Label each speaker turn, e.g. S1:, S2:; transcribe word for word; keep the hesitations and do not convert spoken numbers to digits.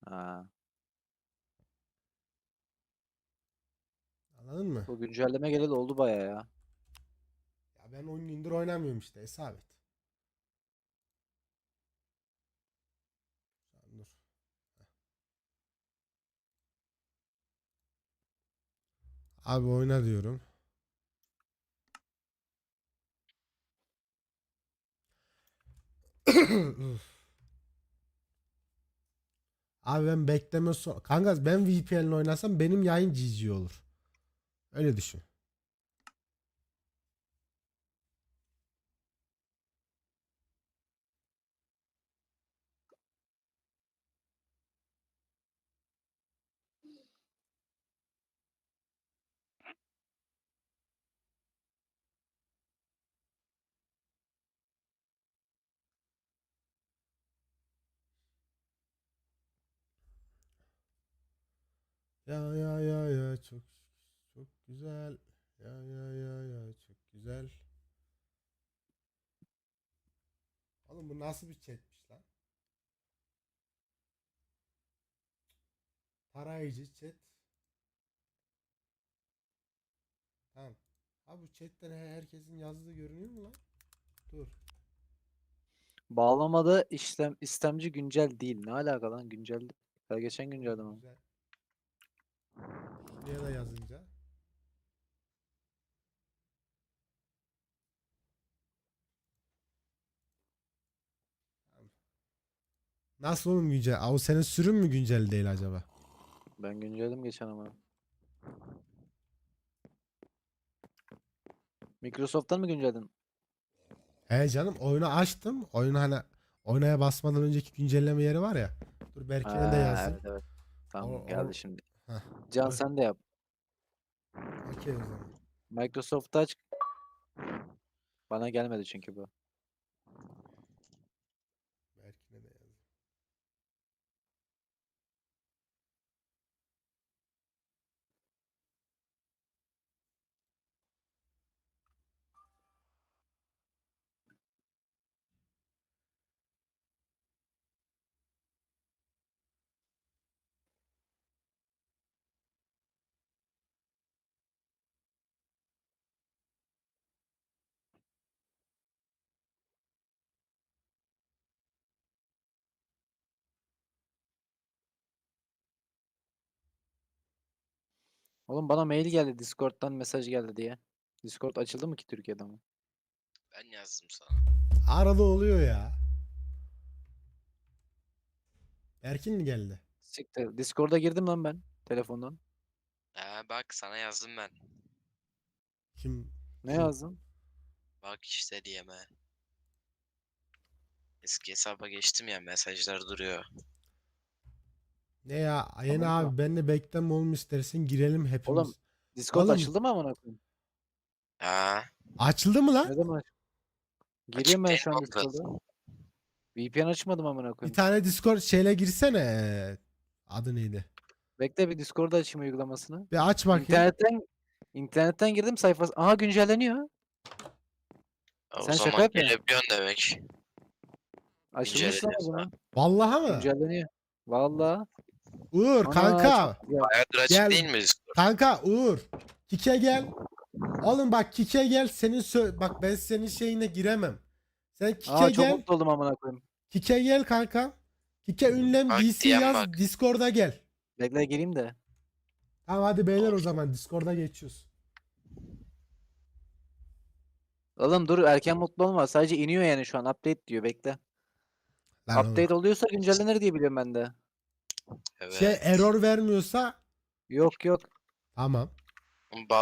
S1: Ha.
S2: Anladın mı?
S1: Bu güncelleme geleli oldu baya ya.
S2: Ya ben on gündür oynamıyorum işte, hesap et. Sen dur. Abi oyna diyorum. Abi ben bekleme so kanka ben V P N'le oynasam benim yayın G G olur. Öyle düşün. Ya ya ya ya çok çok güzel. Ya ya ya ya çok güzel. Oğlum bu nasıl bir chatmiş lan? Tarayıcı chat. Tamam. Abi bu chatten he- herkesin yazdığı görünüyor mu lan? Dur.
S1: Bağlamada işlem istemci güncel değil. Ne alaka lan güncel? Her geçen güncelde
S2: Oğlum
S1: mi?
S2: güzel. Şuraya da yazınca. Tamam. Nasıl oğlum güncel? Aa, o senin sürüm mü güncel değil acaba?
S1: Ben güncelledim geçen ama. Microsoft'tan mı güncelledin?
S2: He canım, oyunu açtım. Oyunu hani oynaya basmadan önceki güncelleme yeri var ya. Dur Berkin'e de
S1: Ha,
S2: yazayım.
S1: evet evet.
S2: Or,
S1: Tamam
S2: or,
S1: geldi şimdi.
S2: heh,
S1: Can
S2: o-
S1: sen de yap.
S2: okey o zaman.
S1: Microsoft'ta aç. Bana gelmedi çünkü bu.
S2: Berkin'e de yazayım.
S1: Oğlum bana mail geldi. Discord'dan mesaj geldi diye. Discord açıldı mı ki Türkiye'de mi?
S3: Ben yazdım sana.
S2: Arada oluyor ya. Berkin mi geldi?
S1: Siktir. Discord'a girdim lan ben. Telefondan.
S3: Ha bak sana yazdım ben.
S2: Kim?
S1: Ne
S2: Kim?
S1: yazdın?
S3: Bak işte diyeme. Eski hesaba geçtim ya mesajlar duruyor.
S2: Ne ya? Yeni
S1: Anladın mı?
S2: abi benle bekleme oğlum, istersen girelim
S1: Oğlum
S2: hepimiz.
S1: Discord
S2: Oğlum
S1: açıldı mı amına koyayım?
S3: Ha
S2: açıldı mı lan?
S1: Ne zaman aç? Gireyim
S3: açık
S1: ben
S3: değil
S1: şu
S3: mi
S1: an
S3: oğlum
S1: Discord'a.
S3: zaten?
S1: V P N açmadım amına
S2: Bir
S1: koyayım.
S2: tane Discord şeyle girsene. Ee, Adı neydi?
S1: Bekle bir Discord'da açayım uygulamasını.
S2: Bir aç bakayım.
S1: İnternetten internetten girdim sayfası. Aha güncelleniyor.
S3: Ha, o
S1: Sen şaka
S3: zaman
S1: yapıyorsun.
S3: gelebiliyorsun demek.
S1: Açılmış lan o
S3: İnceleniyorsa.
S1: zaman.
S2: Vallahi mı?
S1: Güncelleniyor. Vallahi.
S2: Uğur
S1: Ana çok
S2: kanka.
S1: güzel.
S3: Bayağıdır açık
S2: Gel.
S3: değil mi Discord?
S2: Kanka Uğur. Kike gel. Oğlum bak Kike gel. Senin sö- bak ben senin şeyine giremem. Sen Kike
S1: Aa çok
S2: gel.
S1: mutlu oldum amına koyayım.
S2: Kike gel kanka. Kike ünlem
S3: Bak
S2: D C
S3: diyen
S2: yaz
S3: bak.
S2: Discord'a gel.
S1: Bekle gireyim de.
S2: Tamam hadi beyler, o
S3: Of.
S2: zaman Discord'a geçiyoruz.
S1: Oğlum dur erken mutlu olma. Sadece iniyor yani şu an. Update diyor. Bekle.
S2: Lan oğlum.
S1: Update oluyorsa güncellenir diye biliyorum ben de.
S2: Şey
S3: Evet.
S2: error vermiyorsa
S1: Yok yok.
S2: tamam.